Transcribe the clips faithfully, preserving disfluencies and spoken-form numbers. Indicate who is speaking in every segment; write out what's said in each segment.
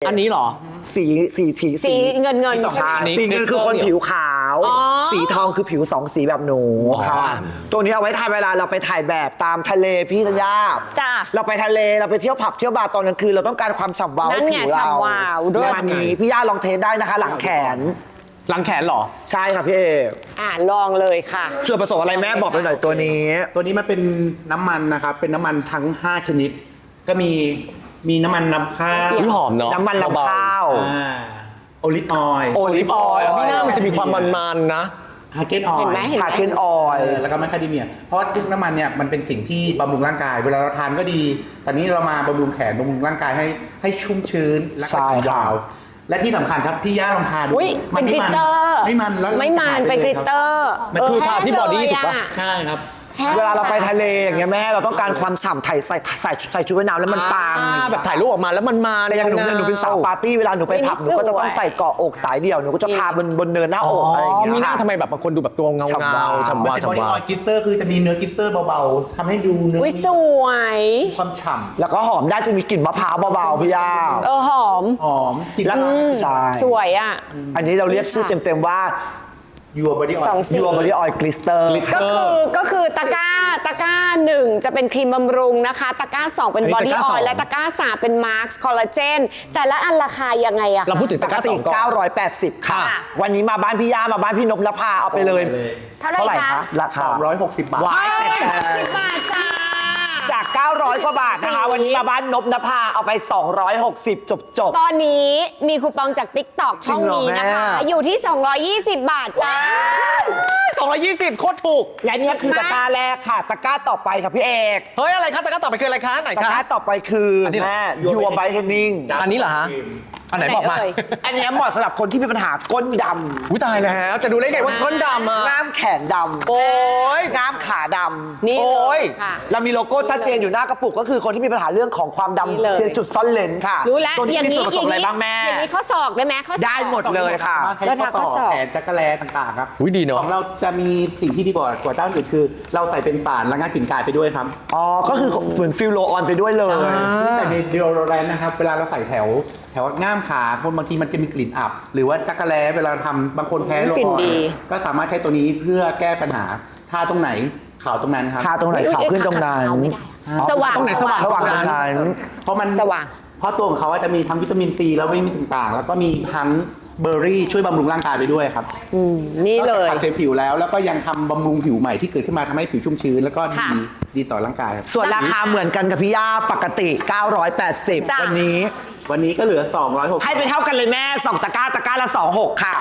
Speaker 1: อันนี้เหรอ
Speaker 2: สีสีสี
Speaker 3: สีเงินเงิน
Speaker 2: ใช่สีเงินคือคนผิวขาว สีทองคือผิวสองสีแบบหนูค่ะตัวนี้เอาไว้ถ่ายเวลาเราไปถ่ายแบบตามทะเลพี่ธัญญา
Speaker 3: จ้า
Speaker 2: เราไปทะเลเราไปเที่ยวผับเที่ยวบาร์ตอนกลางคืนเราต้องการความฉ่ำวาวให้ผิวเรา
Speaker 3: ฉ่ำวาวด้วย
Speaker 2: วันนี้พี่ย่าลองเทสได้นะคะหลังแขน
Speaker 1: หลังแขนเหรอ
Speaker 2: ใช่ค่ะพี่เอ
Speaker 3: อ่าลองเลยค่ะ
Speaker 2: ส่วนผสมอะไรแม่บอกไปหน่อยตัวนี้
Speaker 4: ตัวนี้มันเป็นน้ำมันนะครับเป็นน้ำมันทั้งห้าชนิด ก็มีมีน้ำมันนำข้าว
Speaker 1: อุ๊ยหอมเนาะ
Speaker 2: น้ำมันลำข้าว
Speaker 4: โอลิฟออยล์
Speaker 2: โอลิฟออยล์
Speaker 1: ไม่น่ามันจะมีความมันๆนะ
Speaker 4: ฮาเกนออย
Speaker 3: เห็น
Speaker 4: ล์
Speaker 3: ไหมเห็น
Speaker 2: คา
Speaker 3: ไหม
Speaker 2: เคนออยล์
Speaker 4: แล้วก็แมคคาเดเมียเพราะว่าน้ำมันเนี่ยมันเป็นสิ่งที่บำรุงร่างกาย เวลาเราทานก็ดี ตอนนี้เรามาบำรุงแขนบำรุงร่างกายให้ให้ชุ่มชื้นและก็สียาวและที่สำคัญครับพี่ย่าลองทานดู
Speaker 3: อุ้ยเป็นกลิตเตอร์
Speaker 4: ไม่มันแล้ว
Speaker 3: ไม่มันเป็นกลิตเตอร์
Speaker 4: มันคือ
Speaker 1: ทาที่บอดี้ถูกปะ
Speaker 4: ใช่ครับ
Speaker 2: เวลาเราไปทะเลอย่างเงี้ยแม่เราต้องการความฉ่ำไถ่ใส่ใส่ใส่ชุดว่ายน้ำแล้วมันปัง
Speaker 1: อ่าแบบถ่ายรูปออกมาแล้วมันมา
Speaker 2: แต่อย่างหนูเนี่ยหนูเป็นสาวปาร์ตี้เวลาหนูไปผับหนูก็จะต้องใส่เกาะอกสายเดี่ยวหนูก็จะทาบนบนเนินหน้าอกอะไรอย่างเงี้ย
Speaker 1: มีหน้า
Speaker 2: ค่ะ
Speaker 1: ทำไมแบบบางคนดูแบบตัวเงา
Speaker 2: ฉ่ำวา
Speaker 1: เงาว ฉ่ำ
Speaker 4: มัน
Speaker 1: วาว
Speaker 4: เป็นบอดี้
Speaker 1: ฉ่ำวา
Speaker 4: อ
Speaker 1: ว
Speaker 4: อยล์กลิสเตอร์คือจะมีเนื้อกลิสเตอร์เบาๆทำให้ดูเนื้อ
Speaker 3: อุ้ยสวย
Speaker 4: ความฉ่ำ
Speaker 2: แล้วก็หอมได้จะมีกลิ่นมะพร้าวเบาๆพี่ย่า
Speaker 3: เออหอม
Speaker 4: หอมกลิ่น
Speaker 2: แล้วใช่
Speaker 3: สวยอ่ะ
Speaker 2: อันนี้เราเรียกชื่อเต็มๆว่า
Speaker 4: ยัวบอดี้ออย
Speaker 3: สอง
Speaker 4: ล์
Speaker 3: สี
Speaker 2: ยูบอดี้ออยล์กลิสเตอร์
Speaker 3: ก็คือก็คือตะกร้าตะกร้าหนึ่งจะเป็นครีมบำรุงนะคะ ตะกร้าสองเป็น
Speaker 1: อันนี้
Speaker 3: บอดี้
Speaker 1: ตะกร้า
Speaker 3: อ
Speaker 1: ส
Speaker 3: อ
Speaker 1: อง
Speaker 3: ยล์และตะกร้าสามเป็นมาร์คคอลลาเจนแต่ละอันราคายังไงอะคะ
Speaker 1: เราพูดถึง
Speaker 2: ป
Speaker 1: ตะ
Speaker 2: ก
Speaker 1: กร้าส
Speaker 2: ติ
Speaker 1: องก่อน
Speaker 2: เก้าร้อยแปดสิบค่ะ
Speaker 3: ค่ะ
Speaker 2: วันนี้มาบ้านพี่ย่ามาบ้านพี่นพนภาเอาไปเลย
Speaker 3: เท่าไหร่คะ
Speaker 2: ราคา
Speaker 4: สามร้อยหกสิบบาท
Speaker 2: ว้าย
Speaker 3: สิบบาทจ้า
Speaker 2: จาก เก้าร้อย กว่าบาทนะคะ วันนี้มาบ้านนพนภาเอาไป สองร้อยหกสิบ จบจบ
Speaker 3: ตอนนี้มีคูปองจาก ติ๊กต็อก
Speaker 2: จริ
Speaker 3: ช่อง ง
Speaker 2: เหรอ
Speaker 3: นี้นะคะ
Speaker 2: แม่
Speaker 3: อยู่ที่ สองร้อยยี่สิบ บาทจ้า
Speaker 1: สองร้อยยี่สิบโคตรถูก
Speaker 2: และเนี่ยคือ
Speaker 3: มา
Speaker 2: ตะกร้าแรกค่ะ ตะกร้าต่อไปค่ะพี่เอก
Speaker 1: เฮ้ยอะไรคะตะกร้าต่อไปคืออะไรคะไหน
Speaker 2: ตะ
Speaker 1: คะ
Speaker 2: กร้าต่อไปคืออน
Speaker 1: นี้เหรอ
Speaker 2: แม่ยูบายเทนนิ่ง
Speaker 1: อันนี้เหรอฮะอันไหนบอกมา
Speaker 3: ไหนเอ่ย
Speaker 2: อันเนี้ยเหมาะสำหรับคนที่มีปัญหาก้นด
Speaker 1: อุ้ยตายแล้วจะดูได้ไงว่าก้นดำอ่ะ
Speaker 2: ำง่ามแขนด
Speaker 1: โอ้ย
Speaker 2: ำง่ามขาด
Speaker 3: นี่
Speaker 1: โอ้
Speaker 3: เลย ยค่ะ
Speaker 2: ำเรามีโลโก้ชัดเจนอยู่หน้ากระปุกก็คือคนที่มีปัญหาเรื่องของความ
Speaker 3: นี่เลย
Speaker 2: ดำที่จุดซ่อนเลนค่ะ
Speaker 3: รู้แล้ว
Speaker 2: ตัวนี้
Speaker 3: อย่าง
Speaker 2: มี
Speaker 3: นี้
Speaker 2: ส่วนผสมอะไรบ้างแม่
Speaker 3: อย่างนี้ข้อศอกได้ไหมข้อศอก
Speaker 2: ได้หมดเลยค่ะ
Speaker 4: สามารถให้ข้อต่อแขนจักรแลต่างๆครับ
Speaker 1: อุ๊ยดีเนอะ
Speaker 4: ของเราจะมีสิ่งที่ดีกว่ากว่าเจ้าอื่นคือ เราใส่เป็นฝานระงับกลิ่นกายไปด้วยครับ
Speaker 2: อ๋อ ก็คือเหมือนฟิลโลออนไปด้วยเลย
Speaker 4: แต่ในเดโอโรแรนนะครับ เวลาเราใส่แถว แถวง่ามขาคนบางทีมันจะมีกลิ่นอับ หรือว่าจักรแลเวลาทำบางคนแพ้โล
Speaker 3: กลิ่น
Speaker 4: ออน
Speaker 3: ดี
Speaker 4: ก็สามารถใช้ตัวนี้เพื่อแก้ปัญหาทาตรงไหนขาวตรงนั้นครับ
Speaker 2: ทาตรงไหนขาวขึ้นตรงนั้น
Speaker 3: ขาวไม่ได้อะสว่าง
Speaker 1: ตรงไหนสว่าง
Speaker 2: ระหว่างตรงนั้น
Speaker 4: เพราะมัน
Speaker 3: สว่าง
Speaker 4: เพราะตัวของเขาจะมีทั้งวิตามินซีแล้ววิตามินต่างๆ แล้วก็มีทั้งเบอร์รี่ช่วยบำรุงร่างกายไปด้วยครับ
Speaker 3: นี่เลย
Speaker 4: นอกจากทำเซลล์ผิวแล้วแล้วก็ยังทำบำรุงผิวใหม่ที่เกิดขึ้นมาทำให้ผิวชุ่มชื้นแล้วก็ดี
Speaker 3: ค่ะ
Speaker 4: ดีต่อร่างกายครับ
Speaker 2: ส่วนราคาเหมือนกันกับพี่ย่าปกติ เก้าร้อยแปดสิบ
Speaker 3: จ้ะ
Speaker 2: วันนี้
Speaker 4: วันนี้ก็เหลือสองร้อยหกสิบ
Speaker 2: ให้ไปเท่ากันเลยแม่สองตะกร้าตะกร้าละสองหกค่ะ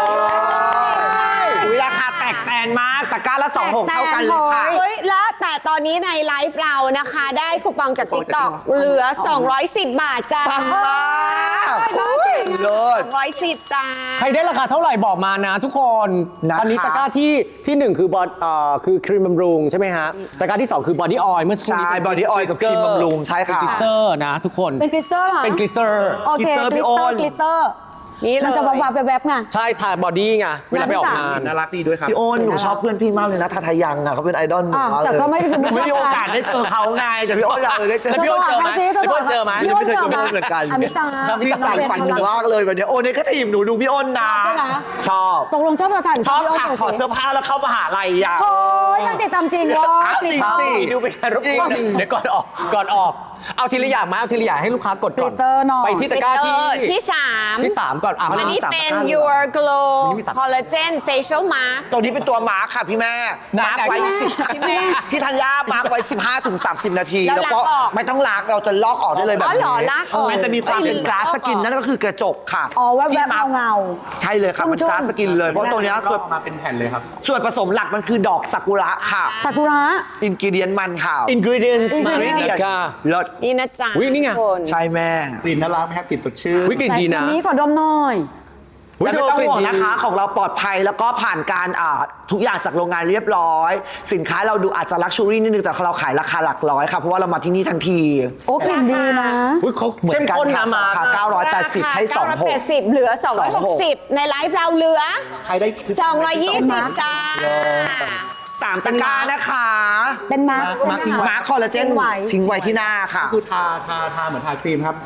Speaker 2: อุ้ยราคาแตกแตนมากตะกร้าละสองหกเท่ากันเลยค่ะ
Speaker 3: เฮ้ยแล้วแต่ตอนนี้ในไลฟ์เรานะคะ ได้คูปองจาก ติ๊กต็อก เหลือ สองร้อยสิบ บาทจ้า
Speaker 2: ปังมากเลิศ
Speaker 3: สองร้อยสิบจ้า
Speaker 1: ใครได้ราคาเท่าไหร่บอกมานะทุกคน
Speaker 2: นะคะ
Speaker 1: อันนี้ตะกร้าที่ที่หนึ่งคือบอดเอ่อคือครีมบำรุงใช่ไหมฮะตะกร้าที่สองคือบอดี้ออยล์เมื่อสักครู่นี้
Speaker 2: ใช่ body oil กับครีมบำรุงใช่ค่ะ
Speaker 1: เป็นกลิสเตอร์นะทุกคน
Speaker 5: เป็นกลิสเตอร์เหรอ
Speaker 1: เป็นกลิสเตอร์
Speaker 5: โอเค
Speaker 2: กลิตเตอร์
Speaker 5: ก
Speaker 2: พี่
Speaker 5: ลิต
Speaker 2: โอ
Speaker 5: เตอน ร์กลิตเตอร์
Speaker 3: นี่เลย
Speaker 5: มันจะวาวๆแวบๆไง
Speaker 1: ใช่ทาบอดี้ไงเวลาไปออกงาน
Speaker 4: น่ารักดีด้วยครับ
Speaker 2: พี่โอนหนูชอบเพื่อนพี่มากเลยนะทาทายังอ่ะเขาเป็นไอดอลหนู
Speaker 5: อ่ะ
Speaker 2: มากเลย
Speaker 5: แต่ก็ไม่ได้
Speaker 2: หนูไม่มีโอกาสได้เจอเขาไงแต่พี่โอนอยากเลยได้เจอ
Speaker 1: แล้วพี่โอนเจอไหมพี่โอนเจอไหม
Speaker 5: พี่โอนเจอไหม
Speaker 2: พี่โอนเหมือนกัน
Speaker 5: อมิตา
Speaker 2: พี่สายฝันหนูมากเลยวันนี้โอนนี่ก็ทีมหนูดูพี่โอนนะ
Speaker 5: ใช่ไหม
Speaker 2: ชอบ
Speaker 5: ตกลงชอบสถาน
Speaker 2: ชอบ
Speaker 5: พี่
Speaker 2: ฉาก
Speaker 5: โน
Speaker 2: ถอดเสื้อผ้าแล้วเข้ามหาลัยอ่ะ
Speaker 5: โอ้ยตั้งติดตามจริงวะ
Speaker 2: อ้าวจริงสิ
Speaker 1: ดูเป็นการรบกวนเดี๋ยวก่อนออกก่อนออก เอาทีละอย่างมาเอาทีละอย่างให้ลูกค้ากด
Speaker 5: ก
Speaker 1: ก่
Speaker 5: ลิ
Speaker 1: อน
Speaker 5: ตเตอร์หน่อย
Speaker 1: ไปที่ตะกร้าที่
Speaker 3: ที่สาม
Speaker 1: ที่สามก่อนอ่ะ
Speaker 3: อัน
Speaker 1: มา
Speaker 3: นี้
Speaker 2: สาม
Speaker 3: เป็น
Speaker 2: ตะกร้าเลย
Speaker 3: Your Glow
Speaker 1: อันนี้มีสาม
Speaker 3: Collagen Facial Mask
Speaker 2: ตัวนี้เป็นตัวมาร์คค่ะพี่แม่
Speaker 1: ไหน
Speaker 2: มาร์คไว้
Speaker 1: ไหน
Speaker 2: สิบ
Speaker 3: พี่แม่
Speaker 2: พี่ธัญญามาร์คไว้ สิบห้าถึงสามสิบ นาที
Speaker 3: แล้ว
Speaker 2: แล้วก็
Speaker 3: ล้างออก
Speaker 2: ไม่ต้องล้างเราจะลอกออกได้เลยแบบ
Speaker 3: อ๋อ
Speaker 2: นี้
Speaker 3: เหรอลากออก
Speaker 2: มันจะมีความเป็น
Speaker 3: เอ้ย
Speaker 2: กลาสสกิน
Speaker 3: ลอกออก
Speaker 2: นั่นก็คือกระจกค่ะ
Speaker 5: อ๋อแวบ
Speaker 2: พี่
Speaker 5: ๆ
Speaker 2: มาร์ค
Speaker 5: เงา
Speaker 2: ใช่เลยครับมัน
Speaker 5: ชุ่มๆ
Speaker 2: กลาสสกินเลยเพราะตัวเนี้ย
Speaker 4: ก็
Speaker 2: ส่วน
Speaker 4: ออกมาเป็นแผ่นเลยครับ
Speaker 2: ส่วนผสมหลักมันคือดอกซากุระค่ะ
Speaker 5: ๆซากุระ
Speaker 2: อินกิเดียนมันค่ะ
Speaker 1: ingredients มา
Speaker 2: ingredient
Speaker 1: เลยค่ะ
Speaker 2: เลิศ
Speaker 3: นี่นะจ๊ะ
Speaker 1: อุ๊ยนี่ไง
Speaker 3: ทุกคน
Speaker 2: ใช่แม่
Speaker 4: กลิ่นน่ารักไหมครับกลิ่นสดชื่น
Speaker 1: วิกฤตดีนะ
Speaker 5: แต่อันนี้ขอดมหน่อย
Speaker 1: อุ๊ย
Speaker 2: แล้วไม่ต้อง
Speaker 1: เธ
Speaker 2: ห่วง
Speaker 1: กลิ่
Speaker 2: นะคะ
Speaker 1: ดี
Speaker 2: ของเราปลอดภัยแล้วก็ผ่านการอ่าทุกอย่างจากโรงงานเรียบร้อย สินค้าเราดูอาจจะลักชัวรี่นิดนึงแต่เราขายราคาหลักร้อยค่ะเพราะว่าเรามาที่นี่ทันที
Speaker 5: โอ้กลิ่นดีนะ
Speaker 1: อุ๊ยเขาเข้มข้นนะมา
Speaker 2: ราคาเก้าร้อยแปดสิบให้สองหก
Speaker 3: เก้าร้อยแปดสิบเหลือ สองร้อยหกสิบ ในไลฟ์เราเหลือ
Speaker 4: ใครได้
Speaker 3: สองร้อยยี่สิบ จ้า
Speaker 2: สามตะกร้านะคะ
Speaker 5: เป็นมาร์ค
Speaker 4: มาร์คทิ้งไว้
Speaker 2: มาร์คคอลลาเจน
Speaker 5: ทิ้งไว้
Speaker 2: ทิ้งไว้ที่หน้าค่ะ
Speaker 4: คือทาทาทาเหมือนทาครีมครับ จ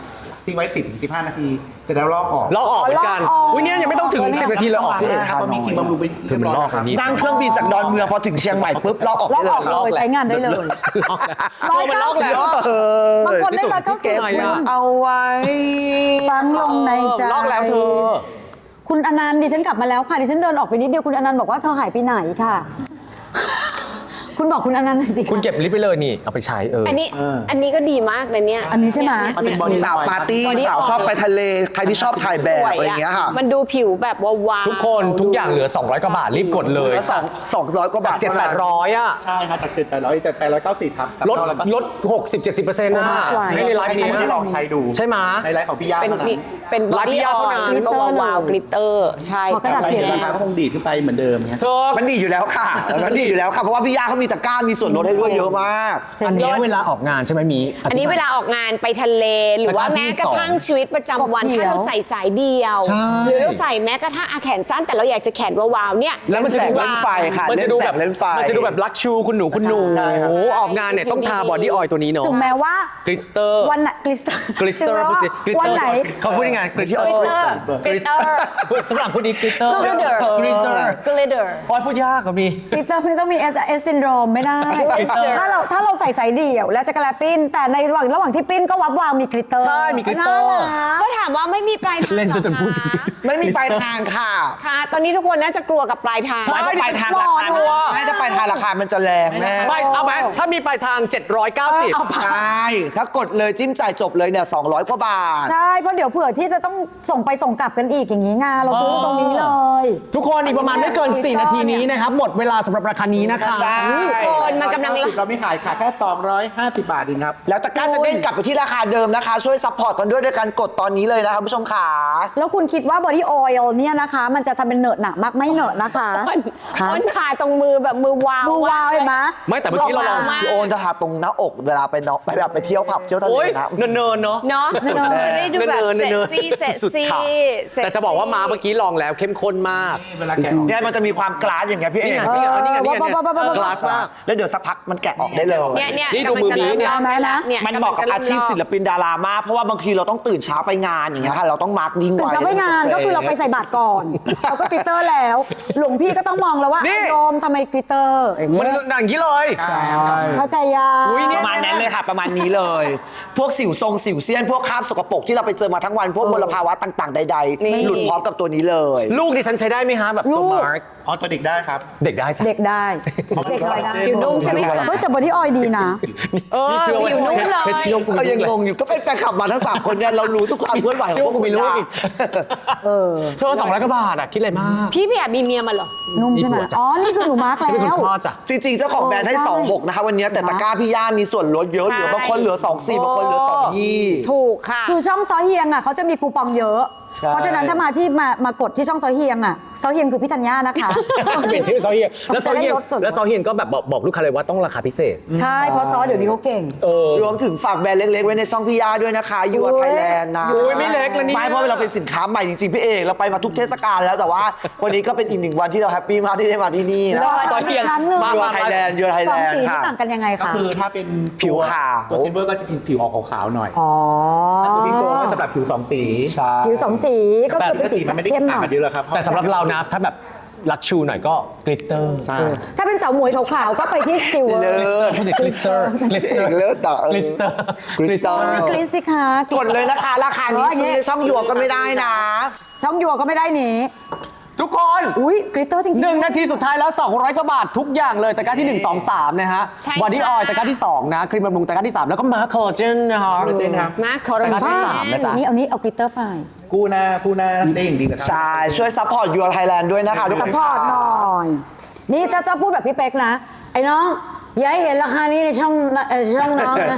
Speaker 4: ทิ้งไว้ สิบถึงสิบห้า นาทีจะได้ลอกออก
Speaker 1: ลอกออกเหมือนกัน
Speaker 5: ลอกออก
Speaker 1: อุ้ยเนี่ยยังไม่ต้องถึงสิบนาทีเลยออกพี่เอก
Speaker 4: ครับเพราะมีครีมบำรุงไปเรียบร้อยแล้วครับ
Speaker 2: นั่งเครื่องบินจากดอนเมืองพอถึงเชียงใหม่ปุ๊บลอกออก
Speaker 5: ล
Speaker 2: ได้
Speaker 5: อก
Speaker 2: เล
Speaker 5: ออก
Speaker 2: ย
Speaker 5: เลยใช้งานได้เลย
Speaker 1: ลอกแล้วมันลอกแล้ว
Speaker 2: เออบ
Speaker 5: างคนได้ร้อยเก้าสิบ
Speaker 1: ไงอะ
Speaker 2: เอาไว้
Speaker 5: ฟังลงในใจ
Speaker 1: ลอกแล้วเธอ
Speaker 5: คุณอนันต์ดิฉันกลับมาแล้วค่ะดิฉันเดินออกไปนิดเดียวคุณอนันต์บอกว่าเธอหายไปไหนค่ะ คุณบอกคุณอนันต์หน่อยสิ
Speaker 1: คุณเก็บลิปไปเลยนี่เอาไปใช้เออ
Speaker 3: อันนี้อันนี้ก็ดีมากเลยเนี่ย
Speaker 5: อันนี้ใช่ไหม
Speaker 4: มันเป็นบอดี้
Speaker 2: สาวปาร์ตี้
Speaker 3: body
Speaker 2: สาว
Speaker 3: oil
Speaker 2: ชอบไปทะเลใครที่ชอบถ่ายแบบอะไรอย่างเงี้ยค่ะ
Speaker 3: มันดูผิวแบบวาวๆ
Speaker 1: ทุกคนทุกอย่างเหลือ สองร้อย กว่าบาทรีบกดเลย
Speaker 2: เหลือสองสองร้อยกว่าบาท
Speaker 1: เจ็ดแปดร้อยอ่ะ
Speaker 4: ใช่ครับจากเจ็ดแปดร้อยจากแปดร้อยเก้าสิบครับ
Speaker 1: ลดลดหกสิบเจ็ดสิบเปอร์เซ็นต์นะให้ในไลฟ์
Speaker 4: นี้
Speaker 1: นี้
Speaker 4: ได้ลองใช้ดู
Speaker 1: ใช่ไหม
Speaker 4: ในไลฟ์ของพี่ย่า
Speaker 3: เป็น
Speaker 4: เท่านั้น
Speaker 3: เป็นบอ
Speaker 1: ร้านพี่
Speaker 3: ดี้
Speaker 1: ย่า
Speaker 3: ออ
Speaker 1: เท่านั้น
Speaker 3: ยก็วาวๆกลิตเตอร์ใช่
Speaker 5: ขอกระดาษ
Speaker 4: ไป
Speaker 5: เขีย
Speaker 4: เห็
Speaker 5: น
Speaker 4: นราคาก็คงดีดขึ้นไปเหมือนเดิมเนี่ย
Speaker 1: เธอ
Speaker 2: มันดีอยู่แล้วค่ะมันดีอยู่แล้วค่ะเพราะว่าพี่ย่าเขามีตะกร้ามีส่วนลดให้ด้วยเยอะมาก
Speaker 1: อันนี้เวลาออกงานใช่ไหมมี
Speaker 3: อันนี้เวลาออกงานไปทะเล หรือว่า
Speaker 1: แต่ว่าที่
Speaker 3: แม้กระทั่ง
Speaker 1: สอง
Speaker 3: ชีวิตประจำวัน
Speaker 5: กบเขียว
Speaker 3: ถ้าเราใส่สายเดียว
Speaker 1: ใช่
Speaker 3: หรือเราใส่แม้กระทั่งอาแขนสั้นแต่เราอยากจะแขนวาวๆเนี่ย
Speaker 2: แล้วมันจะดูเล่นไฟค่ะ
Speaker 1: มันจะดูแบบ
Speaker 2: เล่นไฟ
Speaker 1: มันจะดูแบบลักชูคุณหนูคุณหนู
Speaker 4: ใช่ครับ
Speaker 1: โอ้โหออกงานเนี่ยต้องทาบอดี้ออยล์ตัวนี้เนาะ
Speaker 5: ถึงแม้ว่า
Speaker 1: กลิสเตอร์
Speaker 5: วันไหนกลิสเตอร์
Speaker 1: กลิสเตอร์พูดสิกลิสเตอร์
Speaker 5: วันไหน
Speaker 1: เขาพูดยังไงกลิสเตอร์
Speaker 3: กลิตเตอร์
Speaker 1: สำหรับพูดดีกลิสเตอร์
Speaker 3: glitter
Speaker 1: กลิสเตอร์
Speaker 3: glitter
Speaker 1: โอ้ยพูดยากกับมี
Speaker 5: กลิตเตอร์ไม่ต้องมีเอสเอสซินโดรมไม่ได้ ถ้าเราถ้าเราใส่สายเดี่ยวแล้วจะกระแลปิ้น แต่ในระหว่างระหว่างที่ปิ้นก็วับวาวมีกลิตเตอร์
Speaker 1: ใช่มีกลิตเตอร์
Speaker 5: น่ารัก
Speaker 3: ก็ถามว่าไม่มีปลายทาง
Speaker 1: เล่นจนจนพูด
Speaker 2: ไม่มีปลายทางค่ะ
Speaker 3: ค่ะ ตอนนี้ทุกคนน่าจะกลัวกับปลายทาง
Speaker 1: ใช่
Speaker 2: ไม่ปลายทางราคา
Speaker 1: หลอด
Speaker 2: ไม่จะปลายทางราคามันจะแรงแน่
Speaker 1: ไม่เอาไหมถ้ามีปลายทาง เจ็ดร้อยเก้าสิบ
Speaker 2: ใช่ถ้ากดเลยจิ้มจ่ายจบเลยเนี่ยสองร้อยกว่าบาท
Speaker 5: ใช่เพราะเดี๋ยวเผื่อที่จะต้องส่งไปส่งกลับกันอีกอย่างนี้ไงเราซื้อตรงนี้เลย
Speaker 1: ทุกคนอีกประมาณไม่เกิน สี่ นาทีนี้นะครับ หมดเวลาสำหรับราคานี้นะคะ
Speaker 2: ใช่
Speaker 3: คนมันกำลัง
Speaker 4: เราไม่ขายค่ะแค่สองร้อยห้าสิบบาทเองครับ
Speaker 2: แล้วตะกร้าจะเด้งกลับไปที่ราคาเดิมนะคะ ช่วยซัพพอร์ตกันด้วยด้วยการกดตอนนี้เลยนะครับผู้ชมขา
Speaker 5: แล้วคุณคิดว่าบอดี้ออยล์เนี่ยนะคะ มันจะทำเป็นเหนอะหนักมากไม่เหนอะนะคะ
Speaker 3: คนคนถ่ายตรงมือแบบมือวาว
Speaker 5: มือวาวเห็นไหม
Speaker 1: ไม่แต่เมื่อกี้เราลอง
Speaker 3: มาก
Speaker 2: พี่โอนจะทาตรงหน้าอกเวลาไปเนาะไปแบบไปเที่ยวผับเที่ยวทะเล
Speaker 1: โอ้ย
Speaker 2: นะ
Speaker 1: เนินๆเนาะ
Speaker 3: เนาะ
Speaker 1: สุด
Speaker 3: จะ
Speaker 1: ๆ
Speaker 3: ได้ดูแบบ
Speaker 1: เนินๆ
Speaker 3: เซ็กซี่เซ็ก
Speaker 1: สุด
Speaker 3: ซี่
Speaker 1: ๆค่ะแต่จะบอกว่ามาเมื่อกี้ลองแล้วเข้มข้นมาก
Speaker 4: เวลาแกะออก
Speaker 2: เนี่ยมันจะมีความกลาสอย่างเงี้ยพี่เอ
Speaker 1: นี่
Speaker 2: ก
Speaker 1: ไงนี่ไงนี่ไงนี่ไง
Speaker 5: เออ
Speaker 1: เนี่ยกลาสมาก
Speaker 2: แล้วเดี๋ยวสักพักมันแกะออกได้เลย
Speaker 3: เนี่ยเนี่ย
Speaker 1: นี่ดูมือบีเนี่ย
Speaker 3: กำลังจะเริ่มลอกเนี่ย
Speaker 2: มันเหมาะกับอาชีพศิลปินดารามากเพราะว่าบางทีเราต้องตื่นเช้าไปงานอย่างเงี้ยค่ะเราต้องมาร์กดิ้ง
Speaker 5: ตื่น
Speaker 2: ไว้
Speaker 5: เช้าไปงานก็คือเราไปใส่บาตรก่อนเราก็กลิตเตอร์แล้ว หลวงพี่ก็ต้องมองแล้วว่า
Speaker 1: นี่
Speaker 5: ไอ้โยมทำไมกลิตเตอร์อย่าง
Speaker 1: มัน
Speaker 5: เงี้ย
Speaker 1: อย่างนี้เลย
Speaker 5: เข้าใจยัง
Speaker 1: อุ๊ยเนี่
Speaker 2: ประมาณนั้นเลยค่ะประมาณนี้เลย พวกสิวทรงสิวเซียนพวกคราบสกปรกที่เราไปเจอมาทั้งวันพวกมลภาวะต่างๆ ใด
Speaker 3: นี่
Speaker 2: ๆ หลุดพร้อมกับตัวนี้เลย
Speaker 1: ลูกดิฉันใช้ได้ไหมฮะแบบตัวมาร์ก
Speaker 4: อ๋อตัวเด็กได้ครับ
Speaker 1: เด็กได้จ้ะ
Speaker 5: เด็กได้เด็กอะไรได้
Speaker 3: ผิวนุ่มใช่ไหมคะ
Speaker 5: เฮ้ยแต่บอดี้ออยล์ดีนะ
Speaker 3: เออ
Speaker 1: นี่เชื่อว่า
Speaker 3: ผิวนุ่มเลย
Speaker 1: เพชรเชื่อว่ากู
Speaker 2: ก็
Speaker 1: ไม่
Speaker 2: ยัง
Speaker 1: รู้
Speaker 2: ง
Speaker 1: เลย
Speaker 2: งอยู่ก็เป็นแฟนคลับมาทั้งสามคนเนี่ยเรารู้ทุกความเคลื่อนไหวข
Speaker 1: เชื่
Speaker 2: อ
Speaker 1: อง ว่ากูไม่รู้
Speaker 2: พว
Speaker 1: อีก
Speaker 5: เออ
Speaker 1: เธอสองร้อยกว่าบาทอะคิดอะไรมาก
Speaker 3: พี่พี่แอบมีเมียมาเหรอ
Speaker 5: นุ่มใช่ไหม
Speaker 1: มีผัวจ้ะ
Speaker 5: อ๋อ นี่คือหนูมาร์ก
Speaker 1: ที่เป็น
Speaker 5: แล้
Speaker 1: คุ
Speaker 5: ว
Speaker 1: ณพ่อจ้ะ
Speaker 2: จริงๆ เจ้าของแบรนด์ให้
Speaker 5: ใช่
Speaker 2: สองหกนะคะวันนี้แต่ตะกร้าพี่ย่ามีส่วนลดเยอะ
Speaker 3: ใช่
Speaker 2: เหลือบางคนเหลือสองสี่บางคนเหลือสองยี่
Speaker 3: ถูกค่ะ
Speaker 5: คือช่องซอเฮียงอ่ะเขาจะมีคูปองเยอะ
Speaker 2: ใช่
Speaker 5: เพราะฉะนั้นถ้ามาที่มามากดที่ช่องซอเฮียงอ่ะซอเฮียงคือพี่ธัญญานะคะ
Speaker 1: เปลี่ยนชื่อซอเฮียนแล้วซอเฮียน
Speaker 5: จะได้ลดส่วนลด
Speaker 1: แล้วซอเฮียนก็แบบบอกบอกลูกค้าเลยว่าต้องราคาพิเศษ
Speaker 5: ใช่ เพราะซอเดี๋ยวนี้เขาเก่ง
Speaker 1: เออ
Speaker 2: รวมถึงฝากแบรนด์เล็กๆ ไว้ในช่องพี่ย่าด้วยนะคะยู
Speaker 5: โอ้
Speaker 2: ไทยแลนด์นะ
Speaker 1: โอ้ยไม่เล็กแล้วเนี่ย
Speaker 2: ไม่เพราะเราเป็นสินค้าใหม่จริงๆ พี่เอกเราไปมาทุกเทศกาลแล้วแต่ว่าวันนี้ก็เป็นอีกหนึ่งวันที่เราแฮปปี้มากที่ได้มาที่นี่นะ
Speaker 5: รอ
Speaker 1: ซอเฮียน
Speaker 5: ครั้งหนึ่ง
Speaker 1: มา
Speaker 2: ยู
Speaker 1: มา
Speaker 2: ไทยแลนด์ยูไทย
Speaker 5: ส
Speaker 2: แล
Speaker 5: อง
Speaker 2: น
Speaker 5: สี
Speaker 2: ด์
Speaker 5: ที่
Speaker 2: ค่ะ
Speaker 5: ต่างกันยังไง
Speaker 4: ก็
Speaker 5: คะ
Speaker 4: คือถ้าเป็น
Speaker 2: ผิวขาว
Speaker 4: ตัวซิลเวอร์ก็จะผิวออกขาวๆหน่อย
Speaker 5: อ๋อ
Speaker 4: ถ้าตัวพี่โกก็สำหรับผิวสองสี
Speaker 2: ใช่
Speaker 5: ผิวสองสีก็คือเป็น
Speaker 4: แต่
Speaker 5: สี
Speaker 4: สีมันไม่ได้
Speaker 5: เข้มห
Speaker 4: ต่าง
Speaker 5: น่อย
Speaker 4: กันเยอะหรอกครับ
Speaker 1: แต่สำหรับเรานะถ้าแบบลักชูหน่อยก็กลิตเตอร์
Speaker 4: ใช่
Speaker 5: ถ้าเป็นสาวหมวยขาวๆก็ไปที่ซิลเวอ
Speaker 2: เลิ
Speaker 5: ร์
Speaker 2: ศ
Speaker 1: พูดถึงกลิสเตอร์กลิสเตอร์
Speaker 2: เลิศต่อก
Speaker 1: ลิสเตอร์
Speaker 2: กลิสเตอร์
Speaker 5: กรีซสิคะ
Speaker 2: กดเลยนะคะราคานี้ซื้อในช่องยัวก็ไม่ได้นะ
Speaker 5: ช่องยัวก็ไม่ได้หนี
Speaker 1: ทุกคน
Speaker 5: อุ้ยกลิตเตอร์จริงๆ
Speaker 1: หนึ่งนาทีสุดท้ายแล้ว สองร้อยกว่าบาททุกอย่างเลยตะกร้าที่ หนึ่ง สอง สาม นะฮะ
Speaker 3: ใช่
Speaker 1: บอดี้
Speaker 3: ค่ะ
Speaker 1: ออยล์ตะกร้าที่ สอง นะ ครีมบำรุงตะกร้าที่ สาม แล้วก็มาร์คคอลลาเจนนะฮะ
Speaker 4: คอลลาเจนครับ
Speaker 3: มาคอร์
Speaker 1: ตะกร้าที่
Speaker 3: น
Speaker 1: สามนะจ๊ะ
Speaker 5: นี่เอานี้เอากลิตเตอร์ไป
Speaker 4: กู้หน้ากู้หน้าได้อย่างดีเลยครั
Speaker 2: ใช่ ช่วยซัพพอร์ตยัวไทยแลนด์ด้วยนะคะทุกค
Speaker 5: ซัพ
Speaker 2: น
Speaker 5: พอร์ตหน่อย นี่ถ้าจะพูดแบบพี่เป๊กนะ ไอ้น้อง อย่าให้เห็นราคานี้ในช่องเอ่อช่องน้องนะ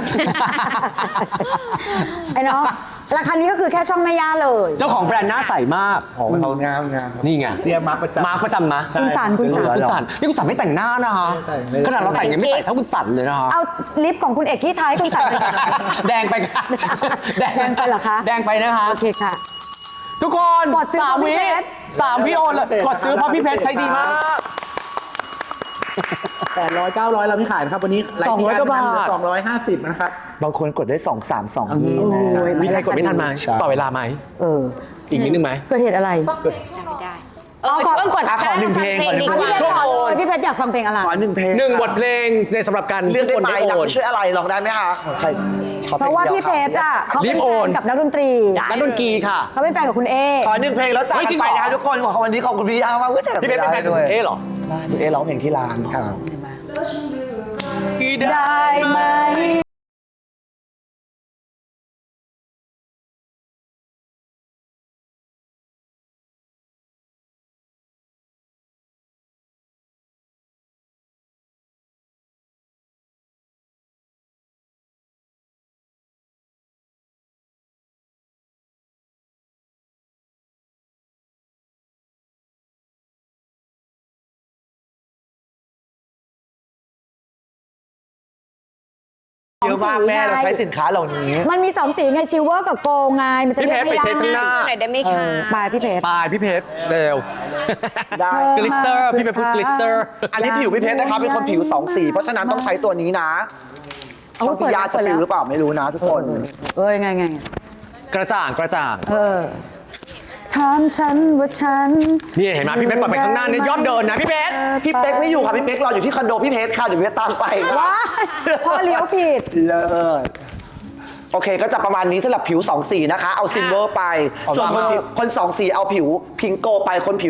Speaker 5: ไอ้น้อง ราคานี้ก็คือแค่ช่องแม่ย่าเลย
Speaker 1: เจ้าของแบรนด์หน้าใสมาก
Speaker 4: ของเขางามงามครับ
Speaker 1: นี่ไง
Speaker 4: เรียกมาร์คประจำ
Speaker 1: มาร์คประจำนะ
Speaker 5: คุณสันคุณสัน
Speaker 1: คุณสันนี่คุณสันไม่แต่งหน้านะฮะ
Speaker 4: ไม่แต่งเลย
Speaker 1: ขนาดเราแต่งยังไม่ใส่เท่าคุณสันเลยนะฮะ
Speaker 5: เอาลิปของคุณเอกที่ท้ายคุณใส่ไป
Speaker 1: แดงไปค่ะ
Speaker 5: แดงไปเหรอคะ
Speaker 1: แดงไปนะคะ
Speaker 5: โอเคค่ะ
Speaker 1: ทุกคน
Speaker 5: กดซื้อ
Speaker 1: สาม
Speaker 5: เพราะพี่
Speaker 1: วิ
Speaker 5: เพชร
Speaker 1: สามพี่โอนเลยกดซื้อเพราะพี่เพชรใช้ดีมาก
Speaker 4: แปดร้อยเก้าร้อยเราไม่ขายนะครับวันนี้ไลฟ์ที่
Speaker 1: สองร้อยกว่าบาท
Speaker 4: สองร้อยห้าสิบนะครับ
Speaker 2: บางคนกดได้สองสามสองนี้
Speaker 5: โอ้ย
Speaker 1: มีใครกดไม่ทันไหม
Speaker 2: ใช่
Speaker 1: ต่อเวลาไหม
Speaker 5: เออ
Speaker 1: อีกนิดนึงไหม
Speaker 5: เกิดเหตุอะไร
Speaker 3: เออช่วงก่อน
Speaker 2: อ่ะขอหนึ่งเพลงขอหนึ่ง
Speaker 3: ดี
Speaker 2: เพ
Speaker 3: ก
Speaker 2: ลง
Speaker 3: ว่า
Speaker 5: พี่เพชรขอเลยพี่เพชรอยากฟังเพลงอะไร
Speaker 2: ขอหนึ่งเพลง
Speaker 1: หนึ่งบทเพลงในสำหรับการ
Speaker 2: เลือกได้ไหม
Speaker 1: ทุกคน
Speaker 2: นะ
Speaker 1: โอน
Speaker 2: ไม่ช่วยอะไรลองได้ไหมคะของใครขอ
Speaker 5: เพราะว่าพี่เพชรอ่ะเขาเป็น
Speaker 1: รีบ
Speaker 5: แฟ
Speaker 1: โอน
Speaker 5: นกับนักดนตรี
Speaker 1: นักดนตรีค่ะ
Speaker 5: เขาเป็นแฟนกับคุณเอ
Speaker 2: ขอหนึ่งเพลงแล้วจาก
Speaker 1: เฮ้ย
Speaker 2: กั
Speaker 1: จริ
Speaker 2: น
Speaker 1: ง
Speaker 2: ไป
Speaker 1: เหรอ
Speaker 2: นะคะทุกคนขอวันนี้ขอบคุณพี่อาร์มากเว้ยแต่
Speaker 1: พี่เพชรเป็นแฟนของคุณเอเหรอ
Speaker 2: ไม่คุณเอร้องเพลงที่ร้านค่ะ
Speaker 5: ได้ไหม
Speaker 2: เยอะมากแม่เราใช้สินค้าเหล่านี้
Speaker 5: มันมีสองสีไงซิลเวอร์กับโกลไงมันจะ
Speaker 1: พี่
Speaker 5: เรี
Speaker 1: เพ
Speaker 5: ยก
Speaker 1: ชร
Speaker 5: ไม่
Speaker 1: ไป
Speaker 5: ได้
Speaker 1: เทสข้างหน้า
Speaker 3: หน่อยได้ไหม
Speaker 5: เอ
Speaker 3: คะ
Speaker 5: อปลายพี่เพชร
Speaker 1: ปลายพี่เพชรเร็ว
Speaker 2: ได้
Speaker 1: กลิสเตอร์พี่เพชรพูดกลิสเตอร์
Speaker 2: อันนี้ผิวพี่เพชรนะคะเป็นคนผิวสองสีเพราะฉะนั้นต้องใช้ตัวนี้นะช่องพี่ยาจะผิวหรือเปล่าไม่รู้นะทุกคน
Speaker 5: เอ้ยไงไง
Speaker 1: กระจ่างกระจ่าง
Speaker 5: เออถามฉันว่าฉัน
Speaker 1: นี่เห็นไหมพี่เพชรปล่อยไปข้างหน้าเนี่ยยอดเดินนะพี่เพชร
Speaker 2: พี่เป๊กไม่อยู่ค่ะพี่เป๊กรออยู่ที่คอนโดพี่เพชรค่ะเดี๋ยวพี่เพชรตามไปค่ะ
Speaker 5: ว้ายพ่อเลี้ยวผิด
Speaker 2: เลิศโอเคก็จะประมาณนี้สำหรับผิวสองสีนะคะ เอาซิลเวอร์ไป ส่วนคนผิวคนสองสีเอาผิวพิงโกไปคนผิว